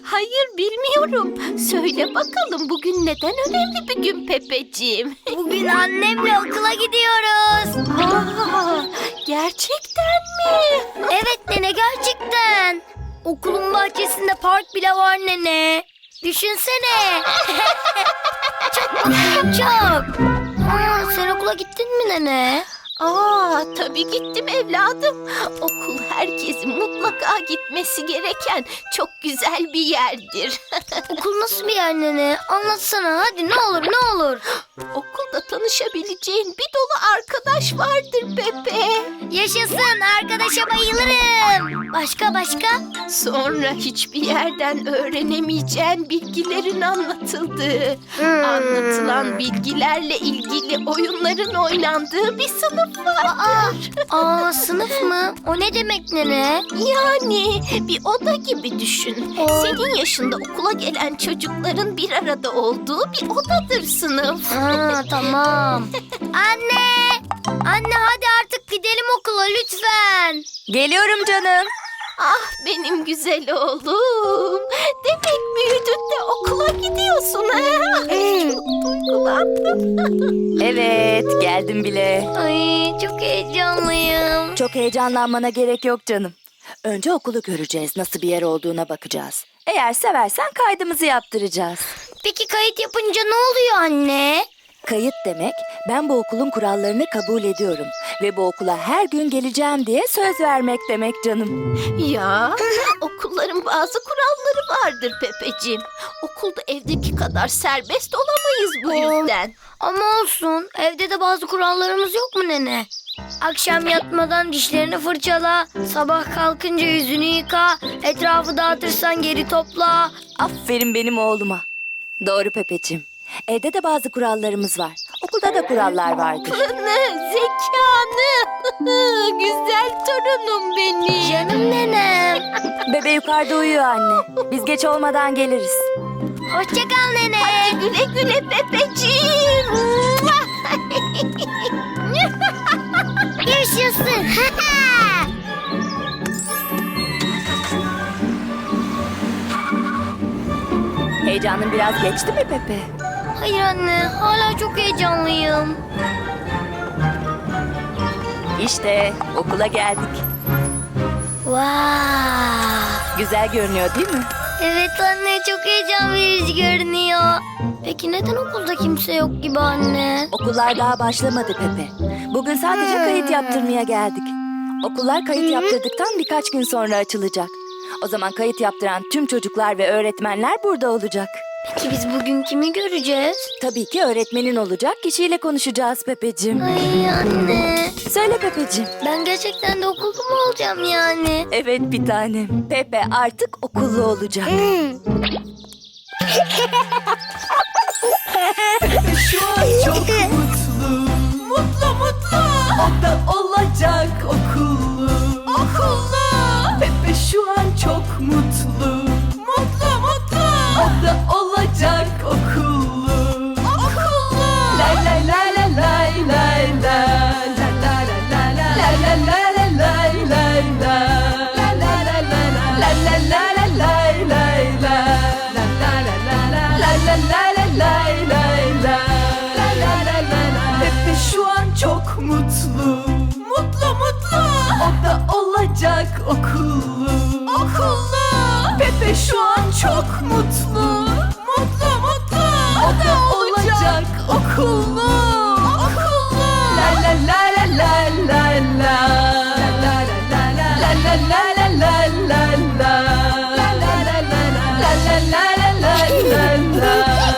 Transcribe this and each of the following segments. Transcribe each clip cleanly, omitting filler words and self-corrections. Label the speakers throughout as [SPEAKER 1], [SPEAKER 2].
[SPEAKER 1] Hayır bilmiyorum. Söyle bakalım bugün neden önemli bir gün Pepeciğim?
[SPEAKER 2] Bugün annemle okula gidiyoruz.
[SPEAKER 1] Aa, gerçekten mi?
[SPEAKER 2] Evet nene, gerçekten. Okulun bahçesinde park bile var nene. Düşünsene. Çok mutluyum, çok. Sen okula gittin mi nene?
[SPEAKER 1] Tabii gittim evladım. Okul herkesin mutlaka gitmesi gereken çok güzel bir yerdir.
[SPEAKER 2] Okul nasıl bir yer nene? Anlatsana hadi, ne olur ne olur.
[SPEAKER 1] Okulda tanışabileceğin bir dolu arkadaş vardır Pepe.
[SPEAKER 2] Yaşasın, arkadaşa bayılırım. Başka?
[SPEAKER 1] Sonra hiçbir yerden öğrenemeyeceğin bilgilerin anlatıldığı, anlatılan bilgilerle ilgili oyunların oynandığı bir sınıf vardır.
[SPEAKER 2] Sınıf mı? O ne demek nene?
[SPEAKER 1] Yani bir oda gibi düşün. Senin yaşında okula gelen çocukların bir arada olduğu bir odadır sınıf.
[SPEAKER 2] Tamam. Anne! Anne hadi artık gidelim okula lütfen.
[SPEAKER 3] Geliyorum canım.
[SPEAKER 1] Ah benim güzel oğlum. Demek büyüdün de okula gidiyorsun ha? Çok duygulandım.
[SPEAKER 3] Evet, geldim bile.
[SPEAKER 2] Ay çok heyecanlıyım.
[SPEAKER 3] Çok heyecanlanmana gerek yok canım. Önce okulu göreceğiz, nasıl bir yer olduğuna bakacağız. Eğer seversen kaydımızı yaptıracağız.
[SPEAKER 2] Peki kayıt yapınca ne oluyor anne?
[SPEAKER 3] Kayıt demek, ben bu okulun kurallarını kabul ediyorum ve bu okula her gün geleceğim diye söz vermek demek canım.
[SPEAKER 1] Ya okulların bazı kuralları vardır Pepeciğim. Okulda evdeki kadar serbest olamayız bu yüzden.
[SPEAKER 2] Ama olsun, evde de bazı kurallarımız yok mu nene? Akşam yatmadan dişlerini fırçala, sabah kalkınca yüzünü yıka, etrafı dağıtırsan geri topla.
[SPEAKER 3] Aferin benim oğluma. Doğru Pepeciğim. Evde de bazı kurallarımız var. Okulda da kurallar vardır.
[SPEAKER 1] Zekanı, güzel torunum benim.
[SPEAKER 2] Canım nenem.
[SPEAKER 3] Bebe yukarıda uyuyor anne. Biz geç olmadan geliriz.
[SPEAKER 2] Hoşça kal nene.
[SPEAKER 1] Güle güle Pepeciğim.
[SPEAKER 2] Yaşasın.
[SPEAKER 3] Heyecanın biraz geçti mi Pepe?
[SPEAKER 2] Hayır anne, hala çok heyecanlıyım.
[SPEAKER 3] İşte okula geldik.
[SPEAKER 2] Wow.
[SPEAKER 3] Güzel görünüyor değil mi?
[SPEAKER 2] Evet anne, çok heyecan verici görünüyor. Peki neden okulda kimse yok gibi anne?
[SPEAKER 3] Okullar daha başlamadı Pepe. Bugün sadece kayıt yaptırmaya geldik. Okullar kayıt yaptırdıktan birkaç gün sonra açılacak. O zaman kayıt yaptıran tüm çocuklar ve öğretmenler burada olacak.
[SPEAKER 2] Peki biz bugün kimi göreceğiz?
[SPEAKER 3] Tabii ki öğretmenin olacak kişiyle konuşacağız Pepeciğim.
[SPEAKER 2] Ay anne.
[SPEAKER 3] Söyle Pepeciğim.
[SPEAKER 2] Ben gerçekten de okulda mı olacağım yani?
[SPEAKER 3] Evet bir tanem. Pepe artık okullu olacak.
[SPEAKER 4] Şu an çok mutlu. Mutlu. O da olacak okullu. Pepe şu an çok mutlu. Mutlu. O da olacak okullu. Lay lay lay lay lay lay lay. La la la la la. La la la la lay lay lay. La la la la la. La la la la lay lay lay. La la la la la. La la la la lay lay lay. La la la la la. Pepe şu an çok mutlu. Mutlu. O da olacak okullu. Pepe şu an çok mutlu. Mutlu. O da olacak okullu. La la la la la la la. La la la la la la la la la la la. La la la la la la la la la la la.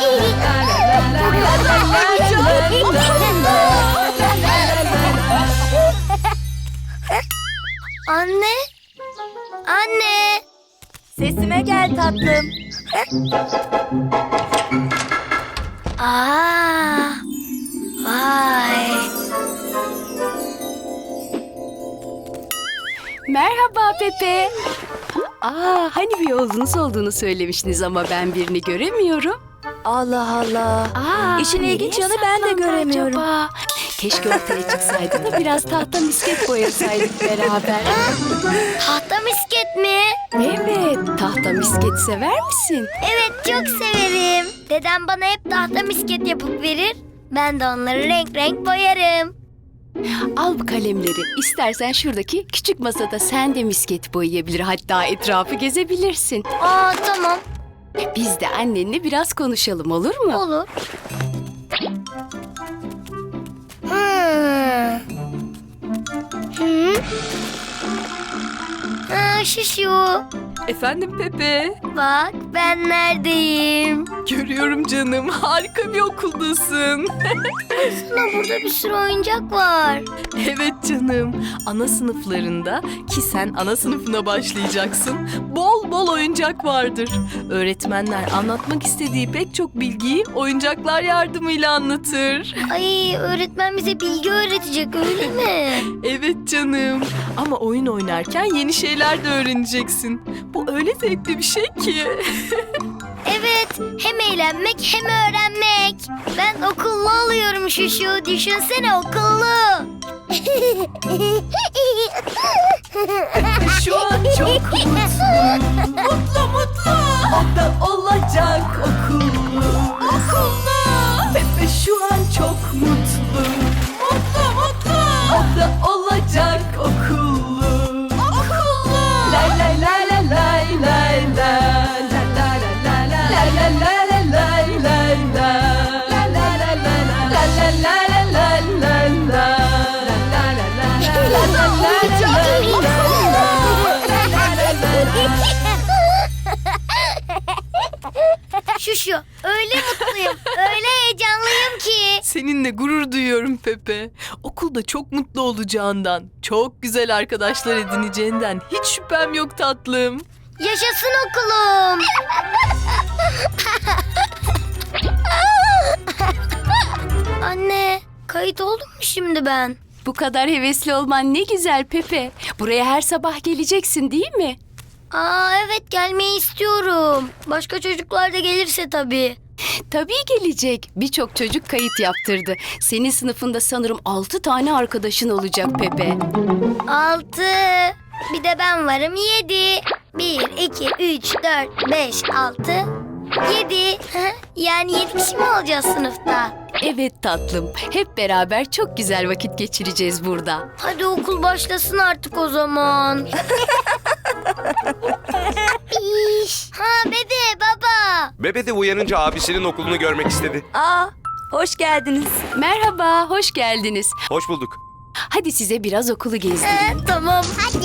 [SPEAKER 2] Anne. Anne.
[SPEAKER 3] Sesime gel tatlım.
[SPEAKER 2] Vay.
[SPEAKER 5] Merhaba Pepe. Hani bir yolunuz olduğunu söylemiştiniz ama ben birini göremiyorum.
[SPEAKER 3] Allah Allah. İşin ilginç yanı ben de göremiyorum.
[SPEAKER 5] Acaba? Keşke ortaya çıksaydı da biraz tahta misket boyasaydık beraber.
[SPEAKER 2] Tahta misket mi?
[SPEAKER 5] Evet, tahta misket sever misin?
[SPEAKER 2] Evet, çok severim. Dedem bana hep tahta misket yapıp verir. Ben de onları renk renk boyarım.
[SPEAKER 5] Al bu kalemleri. İstersen şuradaki küçük masada sen de misket boyayabilir. Hatta etrafı gezebilirsin.
[SPEAKER 2] Aa, tamam,
[SPEAKER 5] Biz de annenle biraz konuşalım, olur mu?
[SPEAKER 2] olur. Hmm. Hı? Şuşu.
[SPEAKER 4] Efendim Pepe.
[SPEAKER 2] Bak, ben neredeyim?
[SPEAKER 4] Görüyorum canım. Harika bir okuldasın.
[SPEAKER 2] Sana burada bir sürü oyuncak var.
[SPEAKER 4] Evet canım. Ana sınıflarında ki sen ana sınıfına başlayacaksın. Bol bol oyuncak vardır. Öğretmenler anlatmak istediği pek çok bilgiyi oyuncaklar yardımıyla anlatır.
[SPEAKER 2] Ay, öğretmen bize bilgi öğretecek, öyle mi?
[SPEAKER 4] Evet canım. Ama oyun oynarken yeni şeyler de öğreneceksin. Bu öyle zevkli bir şey ki.
[SPEAKER 2] Evet, hem eğlenmek hem öğrenmek. Ben okullu oluyorum Şuşu, düşünsene, okullu.
[SPEAKER 4] Şu an çok mutlu. Mutlu mutlu. O da olacak okullu. Okullu. Pepe şu an çok mutlu. Mutlu mutlu. O da olacak okullu. Okullu. Lay lay lay lay lay lay lay. La la la la la la la la. La la la la la la la la la la la.
[SPEAKER 2] Şuşu, öyle mutluyum, öyle heyecanlıyım ki.
[SPEAKER 4] Seninle gurur duyuyorum Pepe. Okulda çok mutlu olacağından, çok güzel arkadaşlar edineceğinden hiç şüphem yok tatlım.
[SPEAKER 2] Yaşasın okulum. Anne, kayıt oldum mu şimdi ben?
[SPEAKER 5] Bu kadar hevesli olman ne güzel Pepe. Buraya her sabah geleceksin değil mi?
[SPEAKER 2] Aa, evet, gelmeyi istiyorum. Başka çocuklar da gelirse tabii.
[SPEAKER 5] Tabii gelecek. Birçok çocuk kayıt yaptırdı. Senin sınıfında sanırım 6 tane arkadaşın olacak Pepe.
[SPEAKER 2] 6. Bir de ben varım, 7. 1, 2, 3, 4, 5, 6, 7. Yani 7 kişi mi olacağız sınıfta?
[SPEAKER 5] Evet tatlım. Hep beraber çok güzel vakit geçireceğiz burada.
[SPEAKER 2] Hadi okul başlasın artık o zaman. Bebe, baba.
[SPEAKER 6] Bebe de uyanınca abisinin okulunu görmek istedi.
[SPEAKER 3] Aa, hoş geldiniz.
[SPEAKER 5] Merhaba, hoş geldiniz.
[SPEAKER 6] Hoş bulduk.
[SPEAKER 5] Hadi size biraz okulu gezdireyim.
[SPEAKER 2] Tamam. Hadi.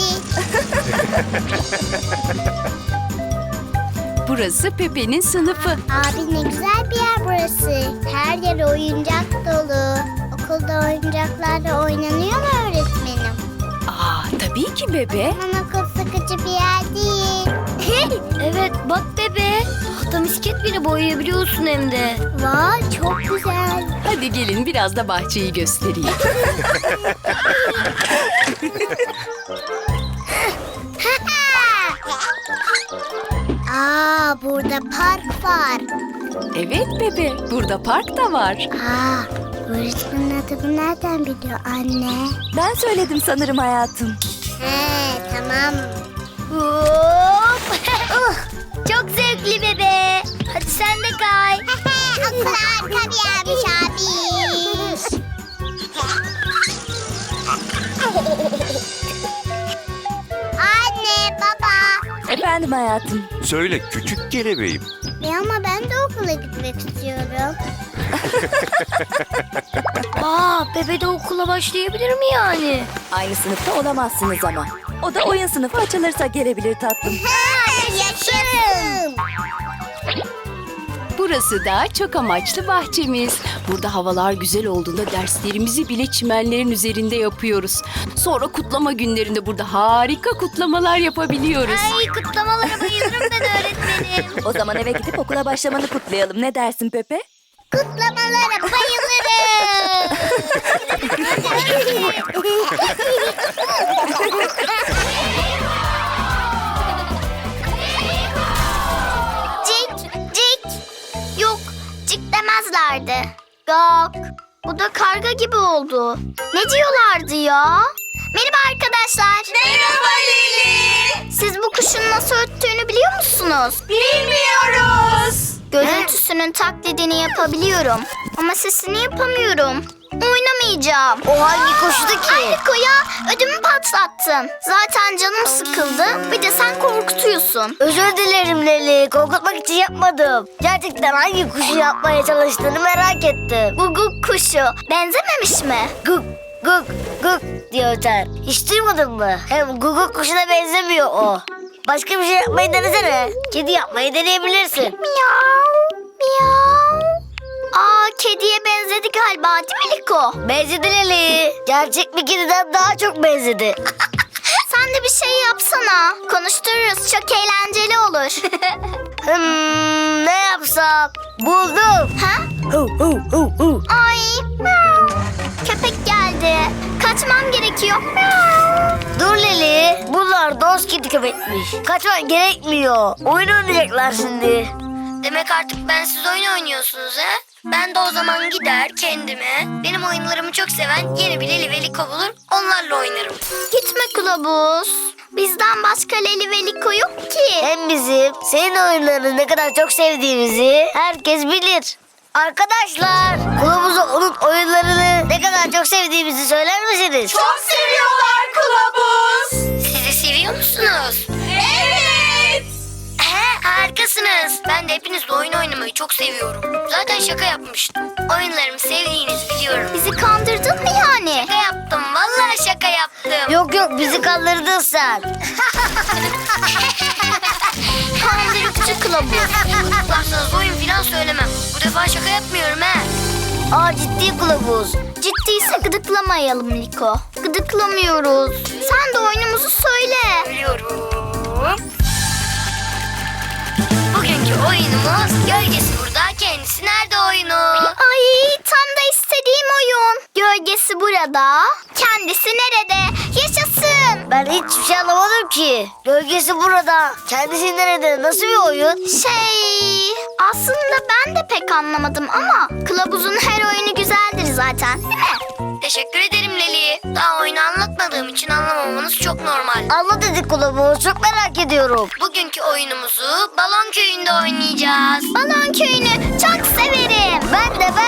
[SPEAKER 5] Burası Pepe'nin sınıfı.
[SPEAKER 7] Abi ne güzel bir yer burası. Her yer oyuncak dolu. Okulda oyuncaklarla oynanıyor mu öğretmenim?
[SPEAKER 5] Aa, tabii ki bebe.
[SPEAKER 7] Aman okul sıkıcı bir yer değil.
[SPEAKER 2] Evet, bak bebe. Tahta misket bile boyayabiliyorsun hem de.
[SPEAKER 7] Vay çok güzel.
[SPEAKER 5] Hadi gelin biraz da bahçeyi göstereyim.
[SPEAKER 7] Aa burada park var.
[SPEAKER 5] Evet bebe, burada park da var.
[SPEAKER 7] Aa öğretmenin adını nereden biliyor anne?
[SPEAKER 3] Ben söyledim sanırım hayatım.
[SPEAKER 7] He tamam.
[SPEAKER 2] Hop. Çok zevkli bebe. Hadi sen de kay.
[SPEAKER 7] Okul harika bir yermiş abi. Anne baba.
[SPEAKER 3] Efendim hayatım.
[SPEAKER 6] Söyle küçük kelebeğim.
[SPEAKER 7] Ama ben de okula gitmek istiyorum.
[SPEAKER 2] Aa, bebe de okula başlayabilir mi yani?
[SPEAKER 3] Aynı sınıfta olamazsınız ama. O da oyun sınıfı açılırsa gelebilir tatlım.
[SPEAKER 7] Yaşasın.
[SPEAKER 5] Burası da çok amaçlı bahçemiz. Burada havalar güzel olduğunda derslerimizi bile çimenlerin üzerinde yapıyoruz. Sonra kutlama günlerinde burada harika kutlamalar yapabiliyoruz.
[SPEAKER 2] Ay, kutlamalara bayılırım ben öğretmenim.
[SPEAKER 3] O zaman eve gidip okula başlamanı kutlayalım. Ne dersin Pepe?
[SPEAKER 7] Kutlamalara bayılırım. Cik cik. Yok cik demezlerdi. Gok Bu da karga gibi oldu. Ne diyorlardı ya? Merhaba arkadaşlar. Merhaba Lili. Siz bu kuşun nasıl öttüğünü biliyor musunuz? Bilmiyoruz. Görüntüsünün taklidini yapabiliyorum. Ama sesini yapamıyorum. Oynamayacağım.
[SPEAKER 2] O hangi kuştu ki?
[SPEAKER 7] Ay Liko ya, ödümü patlattın. Zaten canım sıkıldı. Bir de sen korkutuyorsun.
[SPEAKER 2] Özür dilerim Leli. Korkutmak için yapmadım. Gerçekten hangi kuşu yapmaya çalıştığını merak ettim.
[SPEAKER 7] Guguk kuşu. Benzememiş mi?
[SPEAKER 2] Guk guk guk diye öter. Hiç duymadın mı? Hem guguk kuşuna benzemiyor o. Başka bir şey yapmayı denesene. Kedi yapmayı deneyebilirsin.
[SPEAKER 7] Miyav, miyav. Aa, kediye benzedi galiba değil mi Liko?
[SPEAKER 2] Benzedi Leli. Gerçek bir kediden daha çok benzedi.
[SPEAKER 7] Sen de bir şey yapsana. Konuştururuz, çok eğlenceli olur.
[SPEAKER 2] Ne yapsam? Buldum.
[SPEAKER 7] Ha?
[SPEAKER 2] Hu hu hu hu.
[SPEAKER 7] Ay, miyav. Köpek geldi. Kaçmam gerekiyor. Miyav.
[SPEAKER 2] Dur Leli. Bunlar dost kedi köpekmiş. Kaçman gerekmiyor. Oyun oynayacaklar şimdi. Demek artık bensiz oyun oynuyorsunuz he? Ben de o zaman gider kendime, benim oyunlarımı çok seven yeni bir Leli ve Liko bulur, onlarla oynarım.
[SPEAKER 7] Gitme kılavuz. Bizden başka Leli ve Liko yok ki.
[SPEAKER 2] Hem bizim senin oyunlarını ne kadar çok sevdiğimizi herkes bilir. Arkadaşlar, kılavuza onun oyunlarını ne kadar çok sevdiğimizi söyler misiniz?
[SPEAKER 4] Çok seviyorlar kılavuz.
[SPEAKER 2] Siz de seviyor musunuz?
[SPEAKER 4] Evet.
[SPEAKER 2] Harikasınız. Ben de hepinizle oyun oynamayı çok seviyorum. Zaten şaka yapmıştım. Oyunlarımı sevdiğinizi biliyorum.
[SPEAKER 7] Bizi kandırdın mı yani?
[SPEAKER 2] Şaka yaptım. Vallahi şaka yaptım. Yok bizi kandırdın sen.
[SPEAKER 7] Kandırıkçı kılavuz.
[SPEAKER 2] Tutuklarsanız oyun falan söylemem. Bu defa şaka yapmıyorum he. Aa, ciddi kılavuz.
[SPEAKER 7] Ciddiyse gıdıklamayalım Liko. Gıdıklamıyoruz. Sen de oyunumuzu söyle.
[SPEAKER 2] Biliyorum. Bugünkü oyunumuz gölgesi burada, kendisi nerede oyunu.
[SPEAKER 7] Ay, tam da istediğim oyun. Gölgesi burada, kendisi nerede? Yaşasın.
[SPEAKER 2] Ben hiçbir şey anlamadım ki. Gölgesi burada, kendisi nerede? Nasıl bir oyun?
[SPEAKER 7] Aslında ben de pek anlamadım ama kılavuzun her oyunu güzeldir zaten, değil mi?
[SPEAKER 2] Teşekkür ederim Leli. Daha oyunu anlatmadığım için anlamamanız çok normal. Anlat hadi kılavuz, çok merak ediyorum. Bugünkü oyunumuzu Balon Köyü'nde oynayacağız.
[SPEAKER 7] Balon köyünü çok severim.
[SPEAKER 2] Ben de.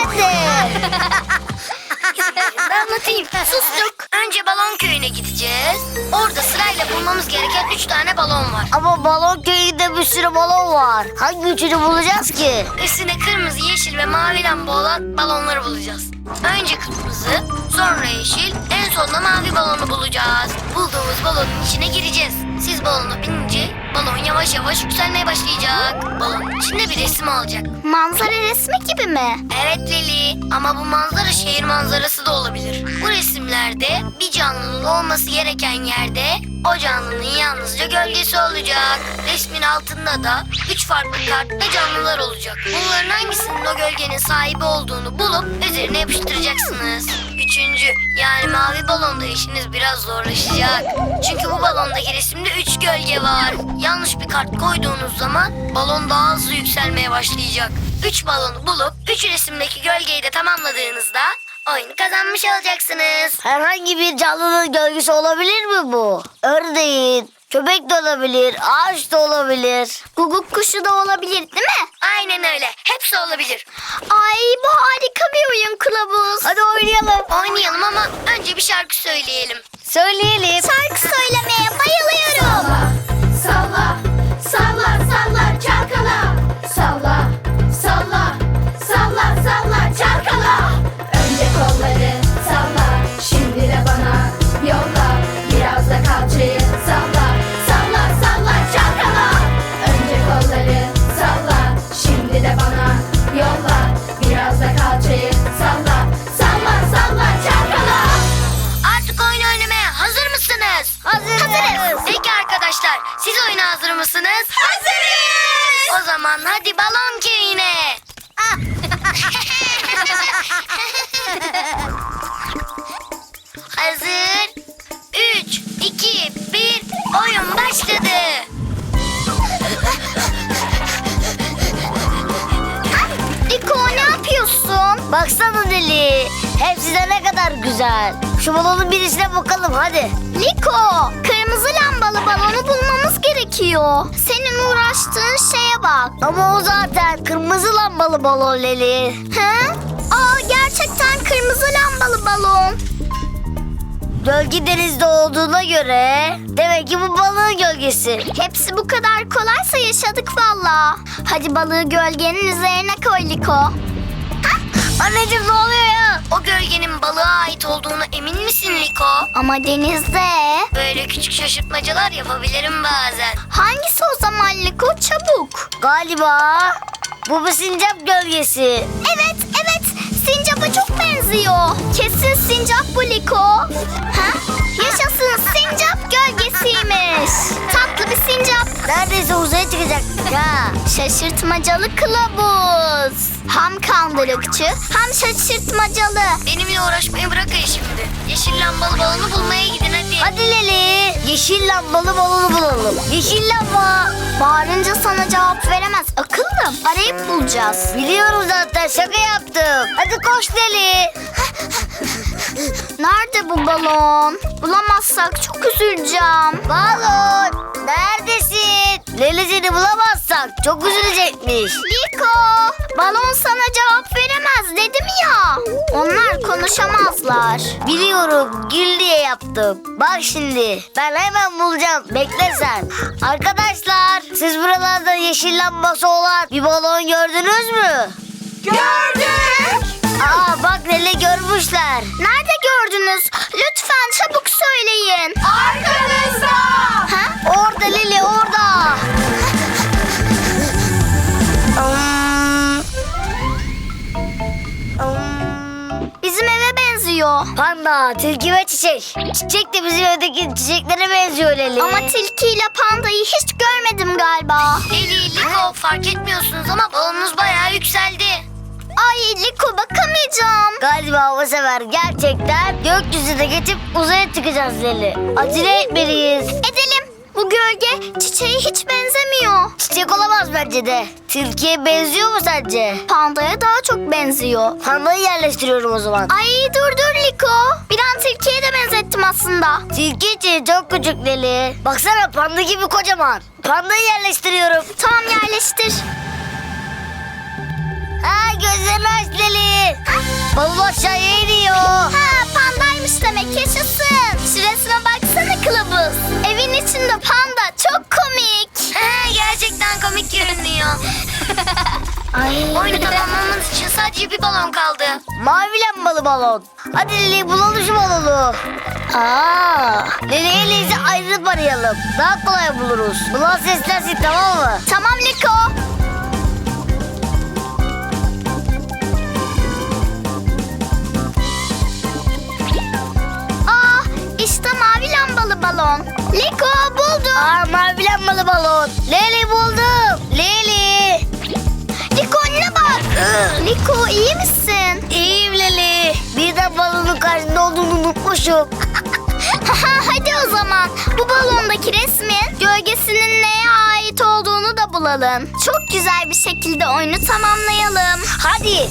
[SPEAKER 2] Anlatayım. Sustuk. Önce Balon Köyü'ne gideceğiz. Orada sırayla bulmamız gereken 3 tane balon var. Ama Balon Köyü'nde bir sürü balon var. Hangi üçünü bulacağız ki? Üstüne kırmızı, yeşil ve mavi lamba olan balonları bulacağız. Önce kırmızı, sonra yeşil, en sonunda mavi balonu bulacağız. Bulduğumuz balonun içine gireceğiz. Siz balona binince balon yavaş yavaş yükselmeye başlayacak. Balonun içinde bir resim olacak.
[SPEAKER 7] Manzara resmi gibi mi?
[SPEAKER 2] Evet Leli, ama bu manzara şehir manzarası da olabilir. Bu resimlerde bir canlının olması gereken yerde o canlının yalnızca gölgesi olacak. Resmin altında da 3 farklı kartta canlılar olacak. Bunların hangisinin o gölgenin sahibi olduğunu bulup üzerine yapıştıracaksınız. Üçüncü, yani mavi balonda işiniz biraz zorlaşacak. Çünkü bu balondaki resimde 3 gölge var. Yanlış bir kart koyduğunuz zaman balon daha hızlı yükselmeye başlayacak. 3 balonu bulup 3 resimdeki gölgeyi de tamamladığınızda oyunu kazanmış olacaksınız. Herhangi bir canlının gölgesi olabilir mi bu? Ördeğin, köpek de olabilir, ağaç da olabilir.
[SPEAKER 7] Guguk kuşu da olabilir değil mi?
[SPEAKER 2] Aynen öyle. Hepsi olabilir.
[SPEAKER 7] Ay, bu harika bir oyun kılavuz.
[SPEAKER 2] Hadi oynayalım. Oynayalım ama önce bir şarkı söyleyelim. Söyleyelim.
[SPEAKER 7] Şarkı söylemeye bayılıyorum.
[SPEAKER 4] Salla, salla, salla çalkala. Salla, salla, salla, salla çalkala. Önce kolları salla, şimdi de bana yolla. Biraz da kalçayı salla, salla, salla çalkala. Önce kolları salla, şimdi de bana yolla. Biraz da kalçayı salla, salla, salla çalkala.
[SPEAKER 2] Artık oyun oynamaya hazır mısınız? Hazırız. Peki arkadaşlar, siz oyuna hazır mısınız? Hazırız. O zaman hadi Balon Köyü'ne. Hazır. 3, 2, 1, oyun başladı.
[SPEAKER 7] Liko, ne yapıyorsun?
[SPEAKER 2] Baksana Deli. Hepsi de ne kadar güzel. Şu balonun birisine bakalım hadi.
[SPEAKER 7] Liko, kırmızı lambalı balonu bulmamız gerekiyor. Senin uğraştığın şeye bak.
[SPEAKER 2] Ama o zaten kırmızı lambalı balon Leli.
[SPEAKER 7] He? Aa, gerçekten kırmızı lambalı balon.
[SPEAKER 2] Gölge denizde olduğuna göre demek ki bu balığın gölgesi.
[SPEAKER 7] Hepsi bu kadar kolaysa yaşadık valla. Hadi balığı gölgenin üzerine koy Liko.
[SPEAKER 2] Anneciğim ne oluyor ya? O gölgenin balığa ait olduğunu emin misin Liko?
[SPEAKER 7] Ama denizde.
[SPEAKER 2] Böyle küçük şaşırtmacalar yapabilirim bazen.
[SPEAKER 7] Hangisi o zaman Liko? Çabuk.
[SPEAKER 2] Galiba bu bir sincap gölgesi.
[SPEAKER 7] Evet, evet. Sincap'a çok benziyor. Kesin sincap bu Liko. Ha? Yaşasın, sincap gölgesiymiş. Tatlı bir sincap.
[SPEAKER 2] Neredeyse uzaya çıkacak. Ya.
[SPEAKER 7] Şaşırtmacalı kılavuz. Hem kandırıkçı hem şaşırtmacalı.
[SPEAKER 2] Benimle uğraşmayı bırakın şimdi. Yeşil lambalı balonu bulmaya gidin hadi. Hadi Leli. Yeşil lambalı balonu bulalım. Yeşil lamba.
[SPEAKER 7] Bağırınca sana cevap veremez akıllım. Arayıp bulacağız.
[SPEAKER 2] Biliyorum zaten şaka yaptım. Hadi koş Leli.
[SPEAKER 7] Nerede bu balon? Bulamazsak çok üzüleceğim.
[SPEAKER 2] Balon neredesin? Leli seni bulamazsak çok üzülecekmiş.
[SPEAKER 7] Liko, balon sana cevap veremez dedim ya. Onlar konuşamazlar.
[SPEAKER 2] Biliyorum gül diye yaptım. Bak şimdi ben hemen bulacağım. Bekle sen. Arkadaşlar siz buralarda yeşil lambası olan bir balon gördünüz mü?
[SPEAKER 4] Gördük.
[SPEAKER 2] Aa bak Leli görmüşler.
[SPEAKER 7] Nerede gördünüz? Lütfen çabuk söyleyin.
[SPEAKER 4] Arkanızda.
[SPEAKER 7] Ha?
[SPEAKER 2] Orada Leli orada.
[SPEAKER 7] Bizim eve benziyor.
[SPEAKER 2] Panda, tilki ve çiçek. Çiçek de bizim evdeki çiçeklere benziyor Leli.
[SPEAKER 7] Ama tilkiyle pandayı hiç görmedim galiba.
[SPEAKER 2] Leli, Liko fark etmiyorsunuz ama balonunuz bayağı yükseldi.
[SPEAKER 7] Ay Liko, bakamayacağım.
[SPEAKER 2] Galiba bu sefer gerçekten gökyüzüne geçip uzaya çıkacağız Leli. Acele etmeliyiz.
[SPEAKER 7] Edelim. Bu gölge çiçeğe hiç benzemiyor.
[SPEAKER 2] Çiçek olamaz bence de. Tilkiye benziyor mu sence?
[SPEAKER 7] Pandaya daha çok benziyor.
[SPEAKER 2] Pandayı yerleştiriyorum o zaman.
[SPEAKER 7] Ay dur Liko. Bir an tilkiye de benzettim aslında.
[SPEAKER 2] Tilki için çok küçük Leli. Baksana panda gibi kocaman. Pandayı yerleştiriyorum.
[SPEAKER 7] Tamam, yerleştir.
[SPEAKER 2] Ha gözlerini aç Leli. Balon aşağıya iniyor.
[SPEAKER 7] Ha, pandaymış demek, yaşasın. Şurasına baksana kılavuz. Evin içinde panda, çok komik.
[SPEAKER 2] Gerçekten komik görünüyor.
[SPEAKER 7] Ay.
[SPEAKER 2] Oyunu tamamlamamız için sadece bir balon kaldı. Mavi lambalı balon. Hadi Leli bulalım şu balonu. Leli elinizi ayrılıp arayalım. Daha kolay buluruz. Bulan seslensin tamam mı?
[SPEAKER 7] Tamam Liko. İşte mavi lambalı balon. Liko, buldum.
[SPEAKER 2] Mavi lambalı balon. Leli buldum. Leli.
[SPEAKER 7] Liko, önüne bak. Liko, iyi misin?
[SPEAKER 2] İyiyim Leli. Birden balonun karşında olduğunu unutmuşum.
[SPEAKER 7] Hadi o zaman bu balondaki resmin gölgesinin neye ait olduğunu da bulalım. Çok güzel bir şekilde oyunu tamamlayalım.
[SPEAKER 2] Hadi.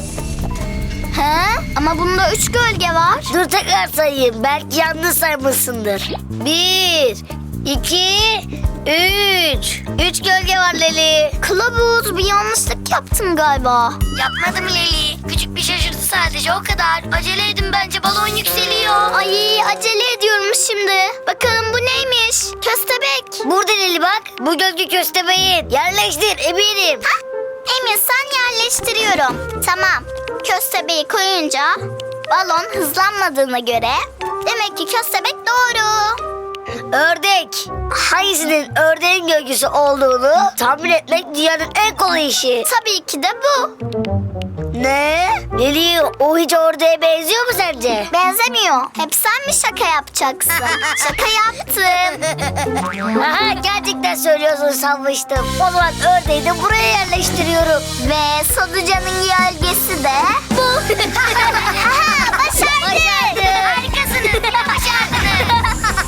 [SPEAKER 7] Ama bunda 3 gölge var.
[SPEAKER 2] Dur tekrar sayayım. Belki yanlış saymışsındır. 1, 2, 3. 3 gölge var Leli.
[SPEAKER 7] Kılavuz, bir yanlışlık yaptın galiba.
[SPEAKER 2] Yapmadım Leli. Küçük bir şaşırtı sadece o kadar. Acele edin bence balon yükseliyor.
[SPEAKER 7] Ay, acele ediyorum şimdi. Bakalım bu neymiş? Köstebek.
[SPEAKER 2] Burada Leli bak. Bu gölge köstebeğin. Yerleştir eminim.
[SPEAKER 7] Emir, sen yerleştiriyorum. Tamam. Köstebeği koyunca balon hızlanmadığına göre demek ki köstebek doğru.
[SPEAKER 2] Ördek. Hangisinin ördeğin gölgesi olduğunu tahmin etmek dünyanın en kolay işi.
[SPEAKER 7] Tabii ki de bu.
[SPEAKER 2] Ne? Leli o hiç ördeğe benziyor mu sence?
[SPEAKER 7] Benzemiyor. Hep sen mi şaka yapacaksın? Şaka yaptım.
[SPEAKER 2] Aha gerçekten söylüyorsun sanmıştım. O zaman ördeği de buraya yerleştiriyorum.
[SPEAKER 7] Ve Sadıcan'ın gölgesi de bu. Aha, başardık.
[SPEAKER 2] Harikasınız. Başardınız.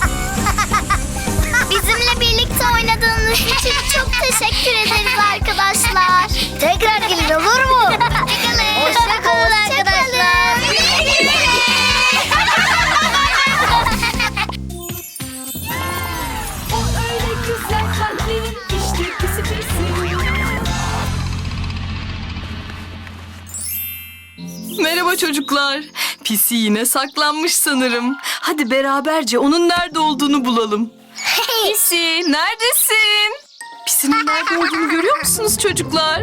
[SPEAKER 7] Bizimle birlikte oynadığınız için çok teşekkür ederiz arkadaşlar.
[SPEAKER 2] Tekrar gelin olur mu? Hoşçakalın. Hoşçakalın arkadaşlar.
[SPEAKER 7] Hoşçakalın.
[SPEAKER 4] Merhaba çocuklar. Pisi yine saklanmış sanırım. Hadi beraberce onun nerede olduğunu bulalım. Pisi, neredesin? Pisinin nerede olduğunu görüyor musunuz çocuklar?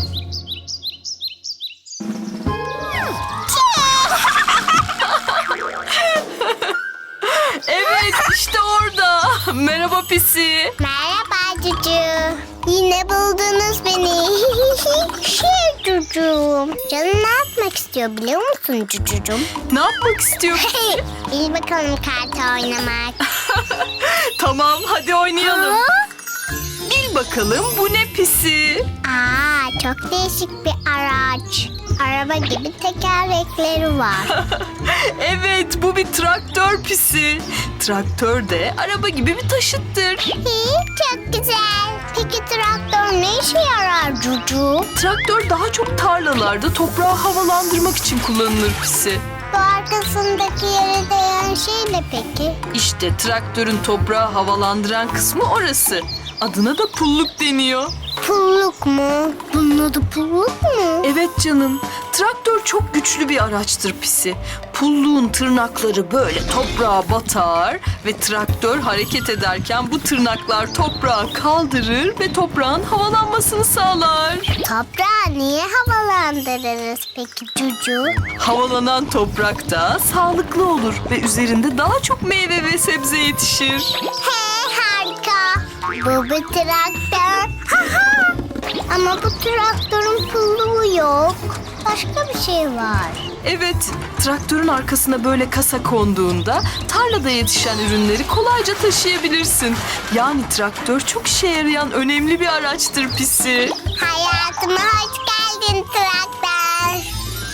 [SPEAKER 4] Evet, işte orada. Merhaba Pisi.
[SPEAKER 7] Merhaba Cucu. Yine buldunuz beni. Cucuğum. Canın ne yapmak istiyor biliyor musun Cucucuğum?
[SPEAKER 4] Ne yapmak istiyorsun?
[SPEAKER 7] Bil bakalım kart oynamak.
[SPEAKER 4] Tamam, hadi oynayalım. Bil bakalım bu ne Pisi?
[SPEAKER 7] Aa, çok değişik bir araç. Araba gibi tekerlekleri var.
[SPEAKER 4] Evet, bu bir traktör Pisi. Traktör de araba gibi bir taşıttır.
[SPEAKER 7] Çok güzel. Peki traktör ne işe yarar Cucu?
[SPEAKER 4] Traktör daha çok tarlalarda toprağı havalandırmak için kullanılır Pisi.
[SPEAKER 7] Bu arkasındaki yere değen şey ne peki?
[SPEAKER 4] İşte traktörün toprağı havalandıran kısmı orası. Adına da pulluk deniyor.
[SPEAKER 7] Pulluk mu? Bunun adı pulluk mu?
[SPEAKER 4] Evet canım. Traktör çok güçlü bir araçtır Pisi. Pulluğun tırnakları böyle toprağa batar ve traktör hareket ederken bu tırnaklar toprağı kaldırır ve toprağın havalanmasını sağlar.
[SPEAKER 7] Toprağı niye havalandırırız peki Cucu?
[SPEAKER 4] Havalanan toprakta sağlıklı olur ve üzerinde daha çok meyve ve sebze yetişir.
[SPEAKER 7] He, harika. Bu bir traktör. Ama bu traktörün pulluğu yok. Başka bir şey var.
[SPEAKER 4] Evet, traktörün arkasına böyle kasa konduğunda tarlada yetişen ürünleri kolayca taşıyabilirsin. Yani traktör çok işe yarayan önemli bir araçtır Pisi.
[SPEAKER 7] Hayatıma hoş geldin traktör.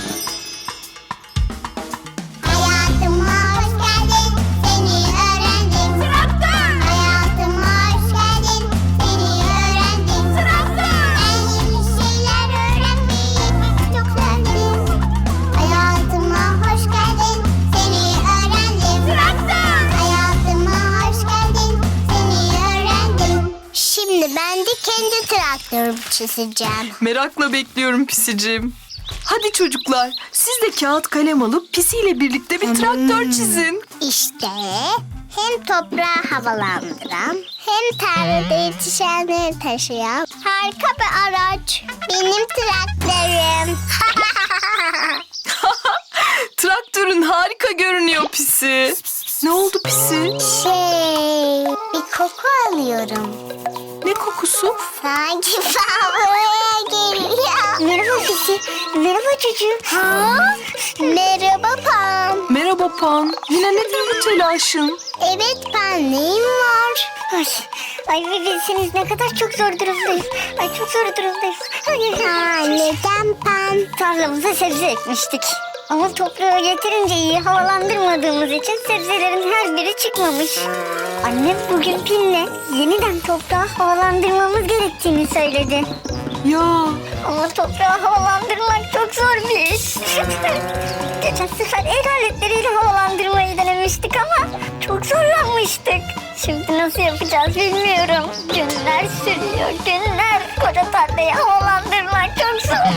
[SPEAKER 7] Hayatıma hoş geldin, seni öğrendim. Traktör. Hayatıma hoş geldin, seni öğrendim. Traktör. Ben yeni şeyler öğrenmeyi çok sevdim. Hayatıma hoş geldin, seni öğrendim. Traktör. Hayatıma hoş geldin, seni öğrendim. Şimdi ben de kendi traktörümü çizeceğim.
[SPEAKER 4] Merakla bekliyorum Pisicim. Hadi çocuklar, siz de kağıt kalem alıp Pisi ile birlikte bir traktör çizin.
[SPEAKER 7] İşte hem toprağı havalandıran hem tarlada yetişenleri taşıyan harika bir araç. Benim traktörüm.
[SPEAKER 4] Traktörün harika görünüyor Pisi. Ne oldu Pisi?
[SPEAKER 7] Bir koku alıyorum.
[SPEAKER 4] Ne kokusu?
[SPEAKER 7] Sanki fabrikaya geliyor. Merhaba Pisi. Merhaba çocuğum. Merhaba Pam.
[SPEAKER 4] Merhaba Pan. Yine nedir bu telaşın?
[SPEAKER 7] Evet Pam, neyim var? Ay bir bilseniz ne kadar çok zor durumdayız. Ay çok zor durumdayız. Neden Pam?
[SPEAKER 2] Tarlamıza sebze ekmiştik. Ama toprağı yeterince iyi havalandırmadığımız için sebzelerin her biri çıkmamış. Annem bugün Pin'le yeniden toprağı havalandırmamız gerektiğini söyledi.
[SPEAKER 4] Ya,
[SPEAKER 2] Ama toprağı havalandırmak çok zor bir iş. Geçen sefer el aletleriyle havalandırmayı denemiştik ama çok zorlanmıştık. Şimdi nasıl yapacağız bilmiyorum. Günler sürüyor, günler. Koca tarlayı havalandırmak çok zor.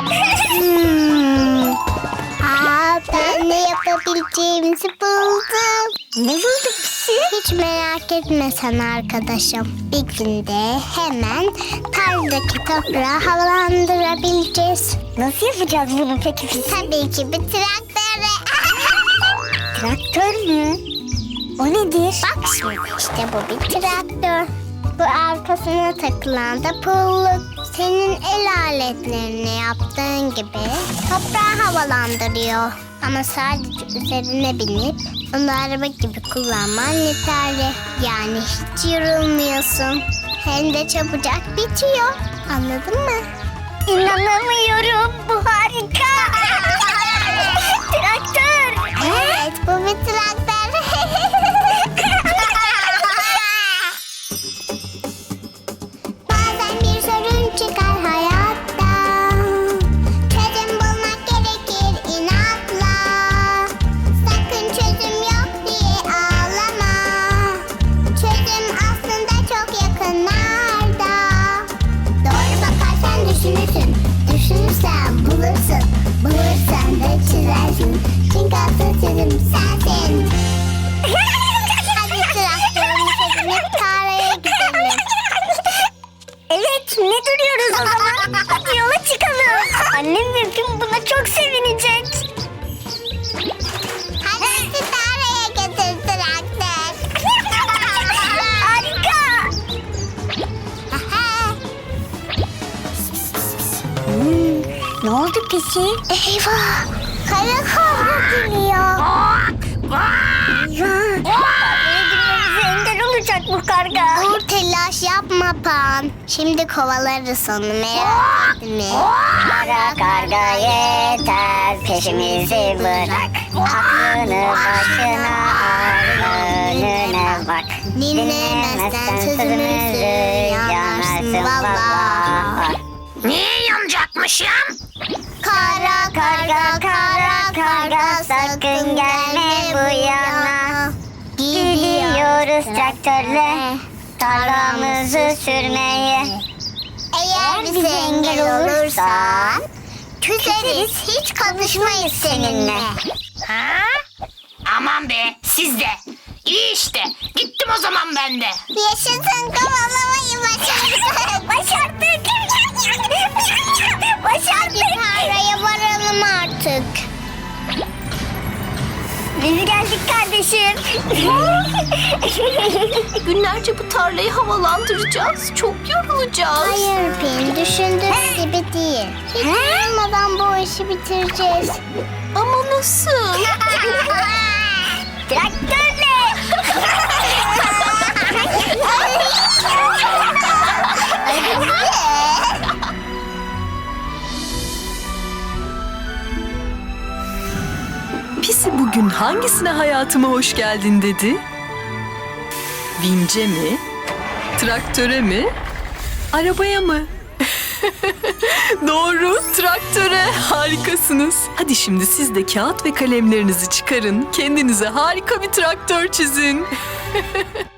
[SPEAKER 7] Ben ne yapabileceğimizi buldum.
[SPEAKER 2] Ne bulduk Pisi?
[SPEAKER 7] Hiç merak etme sen arkadaşım. Bir günde hemen tarladaki toprağı havalandırabileceğiz.
[SPEAKER 2] Nasıl yapacağız bunu peki Pisi?
[SPEAKER 7] Tabii ki bir traktörle.
[SPEAKER 2] Traktör mü? O nedir?
[SPEAKER 7] Bak şimdi işte bu bir traktör. Bu arkasına takılan da pulluk. Senin el aletlerini yaptığın gibi toprağı havalandırıyor. Ama sadece üzerine binip onu araba gibi kullanman yeterli. Yani hiç yorulmuyorsun. Hem de çabucak bitiyor. Anladın mı?
[SPEAKER 2] İnanamıyorum. Bu harika. Traktör.
[SPEAKER 7] Evet, bu bir traktör. Bazen bir sorun çıkar hayatta. Çözüm bulmak gerekir inatla. Sakın çözüm yok diye ağlama. Çözüm aslında çok yakınlarda. Doğru bakarsan düşünürsün. Düşünürsen bulursun. Bulursan da çizer. Pisi. Eyvah. Kara kobra geliyor. Bize engel olacak bu karga. Dur telaş yapma Pan. Şimdi kovalarız onu, merak etme. Kara karga yeter, peşimizi bırak. Aklını başına al, önüne bak. Dinlemezsen sözümüzü yanarsın valla.
[SPEAKER 1] Niye yanacakmışım?
[SPEAKER 7] Kara karga, kara karga, sakın gelme bu yana. Gidiyoruz traktörle tarlamızı sürmeye. Eğer bize engel olursan küseriz, hiç konuşmayız seninle.
[SPEAKER 1] Ha? Aman be, siz de. İyi işte. Gittim o zaman ben de.
[SPEAKER 7] Yaşasın, kovalamayı başardık. Başardık. Başardık. Tarlaya varalım artık. Biz geldik kardeşim.
[SPEAKER 1] Günlerce bu tarlayı havalandıracağız. Çok yorulacağız.
[SPEAKER 7] Hayır Pin, düşündüğün gibi değil. Hiç yorulmadan bu işi bitireceğiz.
[SPEAKER 1] Ama nasıl?
[SPEAKER 7] Traktörle.
[SPEAKER 4] Pisi bugün hangisine hayatıma hoş geldin dedi? Vince mi? Traktöre mi? Arabaya mı? Doğru, traktöre. Harikasınız. Hadi şimdi siz de kağıt ve kalemlerinizi çıkarın. Kendinize harika bir traktör çizin.